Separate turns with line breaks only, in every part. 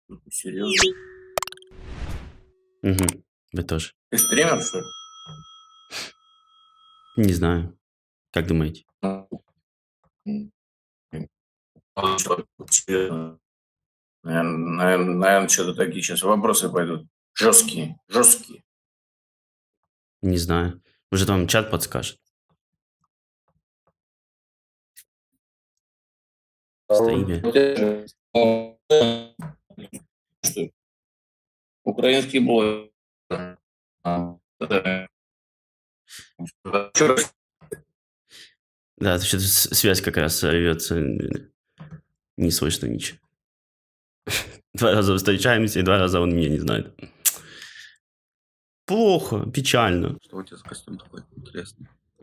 Серьезно?
Угу. Вы тоже.
Ты стример, что ли?
Не знаю. Как думаете?
Серьезно. Наверное, что-то такие сейчас вопросы пойдут. Жесткие, жесткие.
Не знаю. Может, вам чат подскажет. Стоимя.
Что? Украинский блог.
Да, что-то связь как раз рвется. Не слышно ничего. 2 раза встречаемся, и 2 раза он меня не знает. Плохо, печально.
Что у тебя за костюм такой интересный?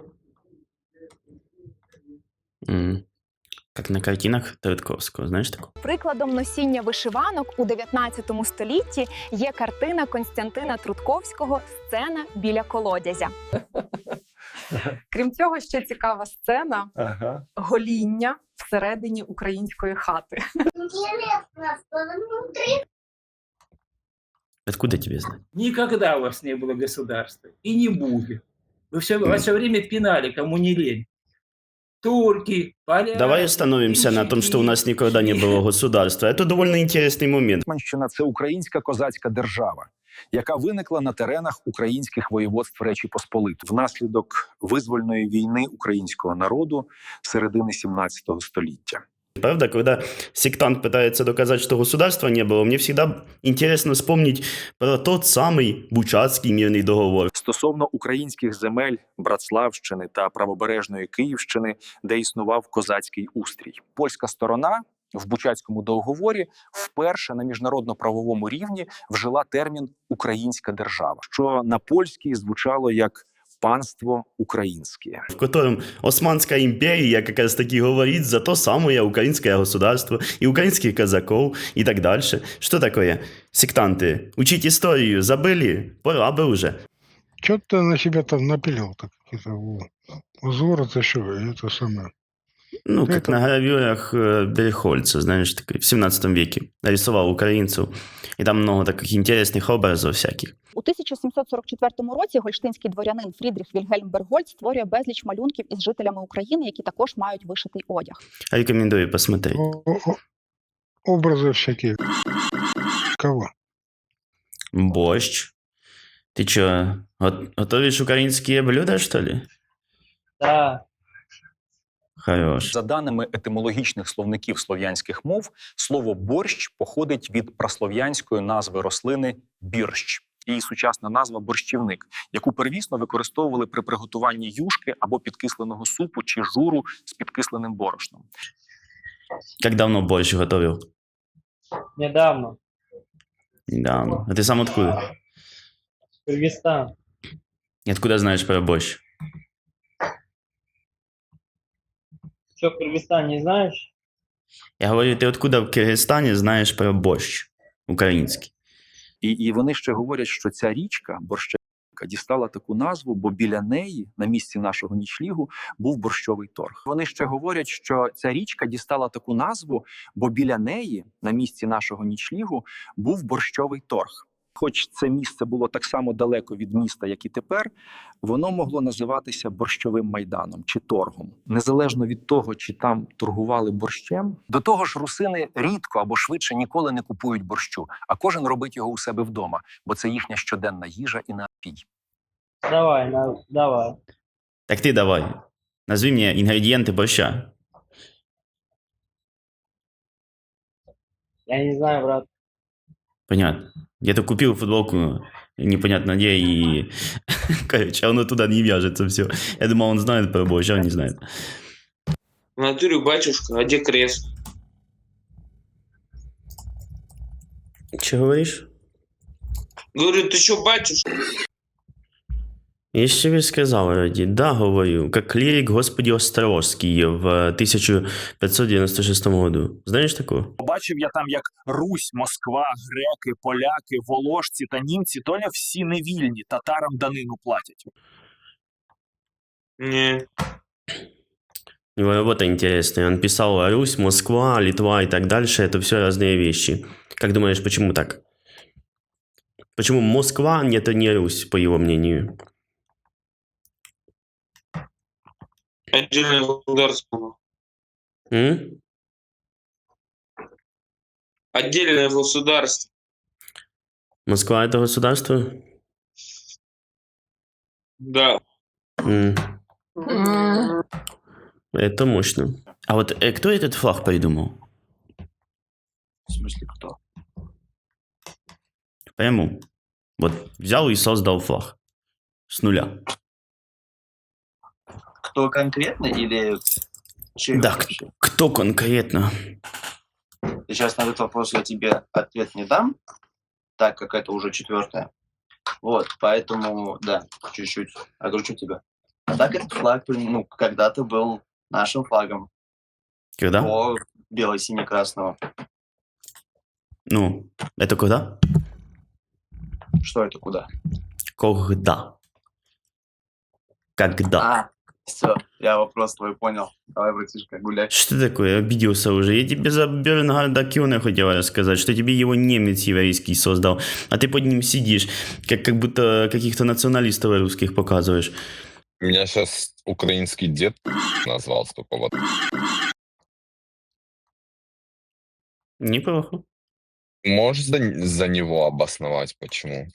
Как на картинах Третьяковського, знаєш таку?
Прикладом носіння вишиванок у 19 столітті є картина Костянтина Трутковського «Сцена біля колодязя». Крім цього, ще цікава сцена гоління всередині української хати.
Откуда тебе знать?
Никогда у вас не было государства. И не будет. Вы все время пинали, кому не лень. Турки, поляки.
Давай остановимся на том, что у нас никогда не было государства. Это довольно интересный момент.
Гетьманщина – це українська козацька держава, яка виникла на теренах українських воєводств Речі Посполитої внаслідок визвольної війни українського народу середини 17 століття.
Правда, когда сектант пытается доказать, что государства не было, мне всегда интересно вспомнить про тот самый Бучацкий мирный договор.
Стосовно українських земель Братславщини та правобережної Київщини, де існував козацький устрій. Польська сторона в Бучацькому договорі вперше на міжнародно-правовому рівні вжила термін «українська держава», що на польській звучало як «панство українське».
В котором Османская империя как раз таки говорит за то самое украинское государство и украинских казаков и так дальше. Что такое? Сектанты, учить историю забыли? Пора бы уже.
Что ты на себя там напилил? Так, какие-то узоры, еще это самое.
Ну, как
Это-
на гравюрах Бельхольца, знаешь, такой, в 17 веке нарисовал украинцев. И там много таких интересных образов всяких.
У 1744 році гольштинський дворянин Фрідріх Вільгельм Бергольд створює безліч малюнків із жителями України, які також мають вишитий одяг.
Рекомендую посмотреть.
Образы всякие. Кого?
Борщ. Ты чё, готовишь украинские блюда, что ли?
Да.
Хорош.
За даними етимологічних словників слов'янських мов, слово «борщ» походить від праслов'янської назви рослини «бірщ». Її сучасна назва «борщівник», яку первісно використовували при приготуванні юшки або підкисленого супу чи журу з підкисленим борошном.
Как давно борщ готовил?
Недавно.
Недавно. А ты сам откуда?
Кыргызстан.
И откуда знаешь про борщ?
Что, Кыргызстан не знаешь?
Я говорю, ты откуда в Киргизстане знаешь про борщ украинский?
І вони ще говорять, що ця річка, Борщевка, дістала таку назву, бо біля неї, на місці нашого нічлігу, був борщовий торг. Вони ще говорять, що ця річка дістала таку назву, бо біля неї, на місці нашого нічлігу, був борщовий торг. Хоч це місце було так само далеко від міста, як і тепер, воно могло називатися борщовим майданом чи торгом. Незалежно від того, чи там торгували борщем. До того ж, русини рідко або швидше ніколи не купують борщу, а кожен робить його у себе вдома, бо це їхня щоденна їжа і напій.
Давай, давай.
Так ты давай. Назови мне ингредиенты борща.
Я не знаю, брат.
Понятно. Где-то купил футболку, непонятно где, и... Короче, оно туда не вяжется все. Я думал, он знает про борщ, а он не знает.
В натуре, батюшка, а где крест?
Че говоришь?
Говорю, ты что, батюшка?
Я ж тебе сказал, Ради. Да, говорю, как клирик Господи Острожский в 1596 году. Знаешь такого?
Побачив я там, як Русь, Москва, греки, поляки, воложці та німці, доля всі невільні, татарам данину платять.
Не.
У него работа интересная. Он писал Русь, Москва, Литва и так дальше. Это все разные вещи. Как думаешь, почему так? Почему Москва это не Русь, по его мнению?
Отдельное государство.
М?
Отдельное государство.
Москва это государство?
Да.
М. Это мощно. А вот кто этот флаг придумал?
В смысле, кто?
Прямо. Вот взял и создал флаг. С нуля.
Кто конкретно или чей
Да,
вообще?
кто конкретно?
Сейчас на этот вопрос я тебе ответ не дам, так как это уже 4-е. Вот, поэтому, да, чуть-чуть огорчу тебя. А так этот флаг, ну, когда-то был нашим флагом.
Когда?
До бело-сине-красного.
Ну, это когда?
Что это, куда?
Когда? Когда?
А, все, я вопрос твой понял. Давай, братишка, гуляй.
Что такое? Обиделся уже. Я тебе за Бернгарда Кёна хотел рассказать, что тебе его немец еврейский создал, а ты под ним сидишь, как будто каких-то националистов русских показываешь.
Меня сейчас украинский дед назвал, столько вот.
Неплохо.
Можешь за него обосновать, почему?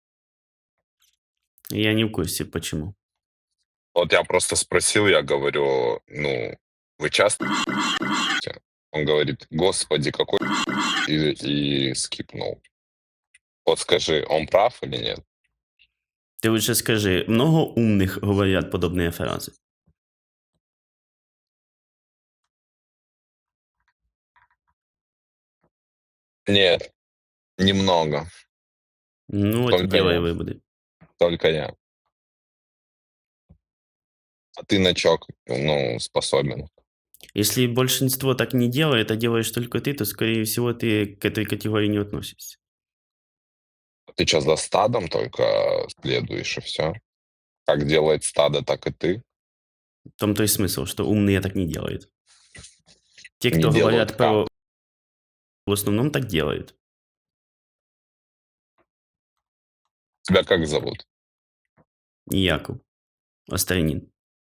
Я не в курсе, почему.
Вот я просто спросил, я говорю, ну, вы часто? Он говорит, господи, какой и скипнул. Вот скажи, он прав или нет?
Ты лучше скажи, много умных говорят подобные фразы?
Нет, немного,
Ну вот и
Только
делай
я.
выводы.
только я. А ты на чё, ну, способен?
Если большинство так не делает, а делаешь только ты, то, скорее всего, ты к этой категории не относишься.
Ты что, за стадом только следуешь и все? Как делает стадо, так и ты.
В том-то и смысл, что умные так не делают. Те,
Не
кто
делают
говорят
как?
про... В основном так делают.
Тебя как зовут?
Яков. Остранин.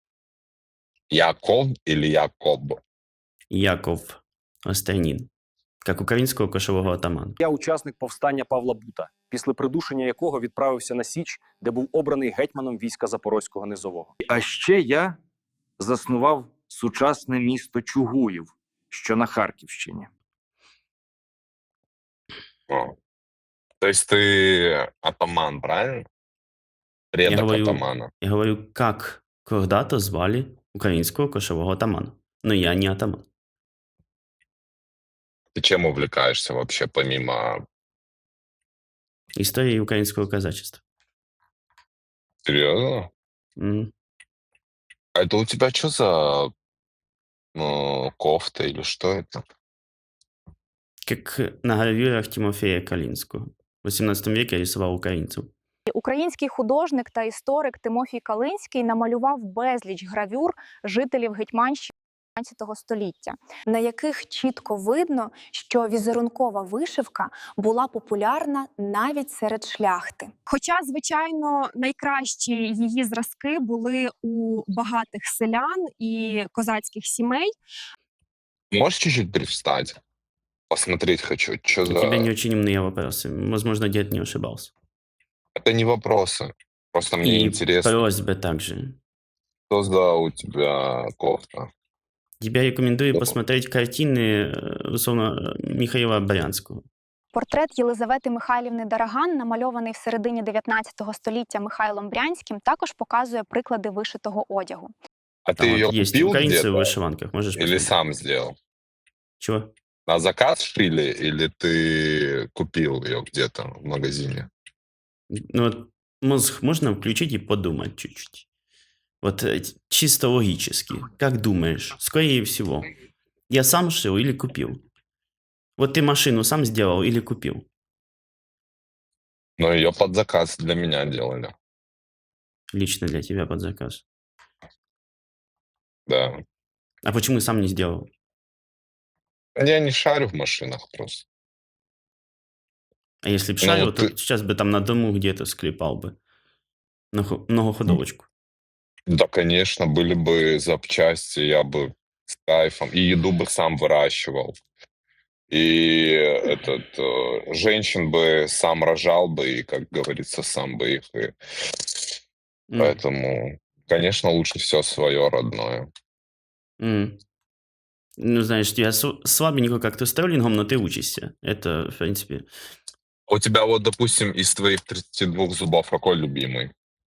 Яков или Якоб?
Яков. Остранин. Як українського кошового атамана.
Я учасник повстання Павла Бута, після придушення якого відправився на Січ, де був обраний гетьманом війська Запорозького низового. А ще я заснував сучасне місто Чугуїв, що на Харківщині.
О. То есть ты атаман, правильно? Предок
говорю-
атамана.
Я говорю, как когда-то звали українського кошового атамана. Но я не атаман.
Ты чем увлекаешься вообще, помимо...
Історії українського казачества.
Серьезно?
М.
А это у тебя что за кофта или что это?
Как на гравюрах Тимофея Калинского. В 18 веке рисував українців.
Український художник та історик Тимофій Калинський намалював безліч гравюр жителів Гетьманщини 19 століття, на яких чітко видно, що візерункова вишивка була популярна навіть серед шляхти. Хоча, звичайно, найкращі її зразки були у багатих селян і козацьких сімей.
Можешь чуть-чуть привстать? Посмотреть хочу, что
У тебя не
за...
очень умные вопросы. Возможно, дед не ошибался.
Это не вопросы. Просто мне
И
интересно,
просьба также.
что за у тебя кофта?
Тебе рекомендую
Добро.
посмотреть картины, условно, Михаила Брянского.
Портрет Єлизавети Михайлівни Дараган, намальований в середині 19 століття Михайлом Брянським, також показує приклади вишитого одягу.
А
Там
ты ее
вот есть
купил
украинцы в
где-то
вышиванках. Можешь
или
посмотреть.
сам сделал?
Чего?
На заказ шили или ты купил ее где-то в магазине?
Ну вот мозг можно включить и подумать чуть-чуть. Вот чисто логически. Как думаешь, скорее всего, я сам шил или купил? Вот ты машину сам сделал или купил?
Но ее под заказ для меня делали.
Лично для тебя под заказ.
Да.
А почему сам не сделал?
Я не шарю в машинах просто.
А если бы
Ну,
шарил,
вот
то
ты...
сейчас бы там на дому где-то склепал бы. Многоходовочку.
Да, конечно, были бы запчасти, я бы с кайфом. И еду бы сам выращивал. И женщин бы сам рожал бы, и, как говорится, сам бы их. И...
М,
Поэтому, конечно, лучше все свое родное.
м. Ну, знаешь, я слабенько как-то с троллингом, но ты учишься. Это, в принципе,
А у тебя вот, допустим, из твоих 32 зубов какой любимый?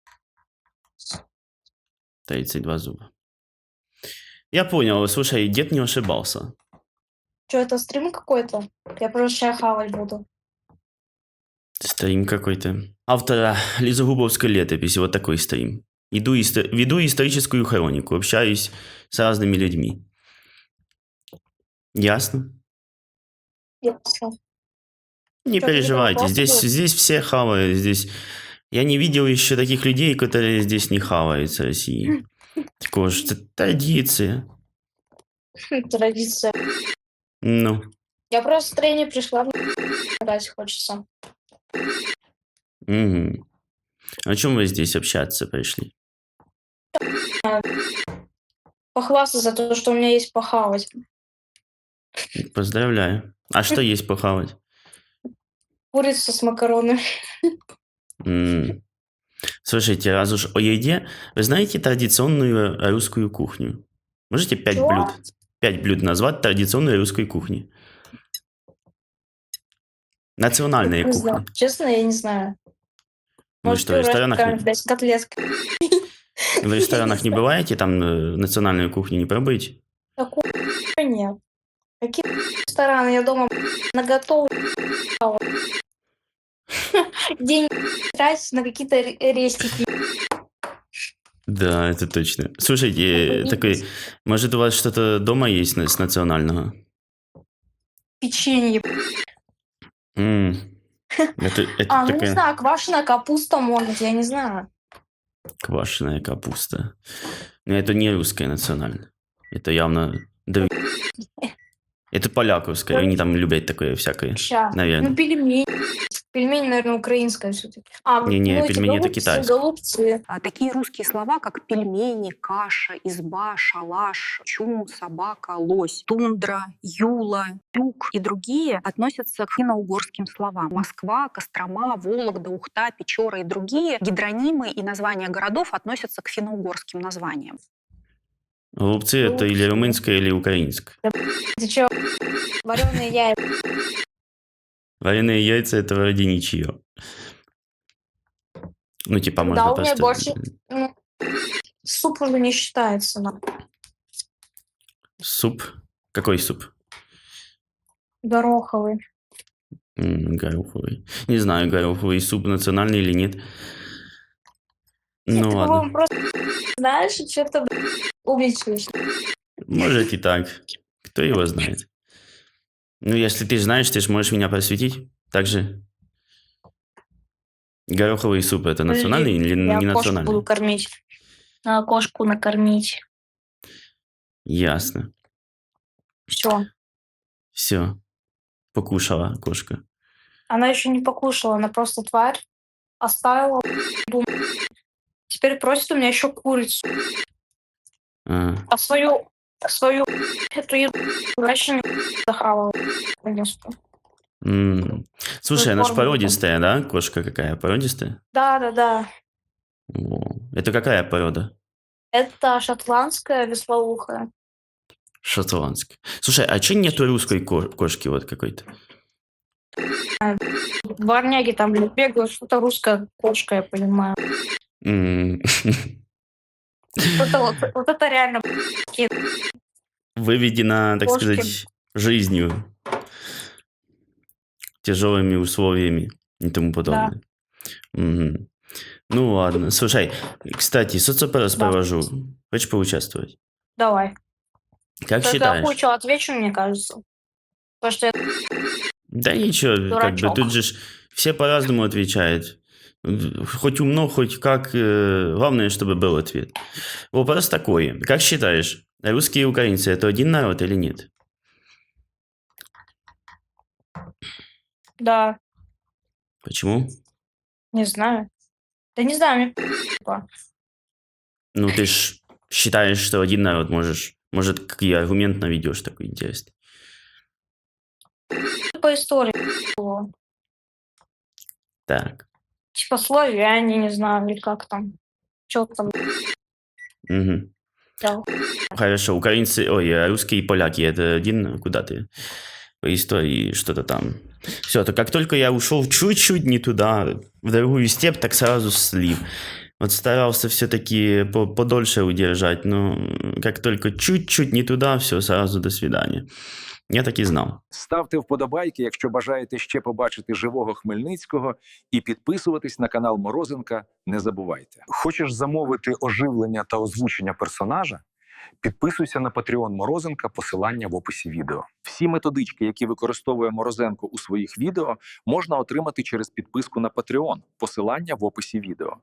32 зуба. Я понял, слушай, дед не ошибался.
Что, это стрим какой-то? Я просто сейчас хавать буду.
Стрим какой-то. Автора Лизогубовской летописи, вот такой стрим. Веду историческую хронику, общаюсь с разными людьми. Ясно?
Ясно.
Не
Что, какие-то
переживайте,
вопросы будут?
здесь все хавают, здесь... Я не видел еще таких людей, которые здесь не хавают в России. Такое же традиция.
Традиция.
Ну,
Я просто в настроение пришла, мне играть хочется.
мгм. О чем вы здесь общаться пришли?
Похвастаться за то, что у меня есть похавать.
Поздравляю. А что есть похавать?
Курица с макаронами.
М. Слушайте, раз уж о еде, вы знаете традиционную русскую кухню? Можете 5
Чего?
блюд? 5 блюд назвать традиционной русской кухни. Национальная
Не знаю.
кухня.
Честно, я не знаю.
Вы
Может,
что, в
пюрешка
ресторанах
какая-нибудь, блядь, котлетка.
в ресторанах не бываете, там национальную кухню не пробуете?
Такого нет. Какие рестораны? Я дома наготовлю. День тратить на какие-то рестики.
Да, это точно. Слушайте, такой, может у вас что-то дома есть с национального?
Печенье.
М. Это
Ну не
такая
знаю, квашеная капуста может, я не знаю.
квашеная капуста. Но это не русская национальная. Это явно это поляковская. Они там любят такое всякое,
Ща. Ну,
наверное.
пельмени. Пельмень, наверное, украинская все-таки.
Не-не,
ну, эти
пельмени это
голубцы,
китайское.
голубцы.
Такие русские слова, как пельмени, каша, изба, шалаш, чум, собака, лось, тундра, юла, тюк и другие относятся к финно-угорским словам. Москва, Кострома, Вологда, Ухта, Печора и другие гидронимы и названия городов относятся к финно-угорским названиям.
Голубцы это или румынское, или украинское.
Ты чё? Вареные яйца.
Вареные яйца это вроде ничего. Ну, типа, можно
Да, у меня
просто...
больше... суп уже не считается. Но.
Суп? Какой суп?
Гороховый.
Гороховый. Не знаю, гороховый суп национальный или нет. Ну
Ты,
ладно.
по-моему, просто знаешь, и что-то увеличиваешь.
Может и так. Кто его знает. Ну, если ты знаешь, ты же можешь меня просветить. Также гороховый суп это национальный или не
Я кошку буду
национальный?
кормить. Надо кошку накормить.
Ясно.
Все.
Все. Покушала кошка.
Она еще не покушала, она просто тварь. Оставила. Теперь просит у меня еще курицу.
А,
А свою эту еду вообще не захавала. Конечно.
Слушай, она ж
форму
породистая, да? Кошка какая? Породистая?
Да.
О, это какая порода?
Это шотландская веслоухая.
Шотландская. Слушай, а че нету русской кошки вот какой-то?
Дворняги там бегают, что-то русская кошка, я понимаю. Вот это реально
Выведена, так
кошки.
сказать, жизнью, тяжелыми условиями и тому подобное. Мгм. Ну ладно. Слушай, кстати, соцопрос
Да.
провожу. Хочешь поучаствовать?
Давай.
Как
Только я
считаешь?
кое-что отвечу, мне кажется. Потому что я
Да ничего, как бы
дурачок.
тут же все по-разному отвечают. Хоть умно, хоть как. Главное, чтобы был ответ. Вопрос такой. Как считаешь, Русские и украинцы – это один народ или нет?
Да,
Почему?
не знаю. Да не знаю, мне
Ну, ты ж считаешь, что один народ можешь. Может, какой аргумент наведешь такой интересный?
по истории было.
Так.
Типа славяне, не знаю, или как там. Что там.
Мгм.
Да.
Хорошо, украинцы, русские и поляки – это один, куда ты? По истории что-то там. Все, то как только я ушел чуть-чуть не туда, в другую степь, так сразу слив. Вот старался все-таки подольше удержать, но как только чуть-чуть не туда, все, сразу до свидания. Я так і знав.
Ставте вподобайки, якщо бажаєте ще побачити живого Хмельницького, і підписуватись на канал Морозенка не забувайте. Хочеш замовити оживлення та озвучення персонажа? Підписуйся на Patreon Морозенка, посилання в описі відео. Всі методички, які використовує Морозенко у своїх відео, можна отримати через підписку на Patreon, посилання в описі відео.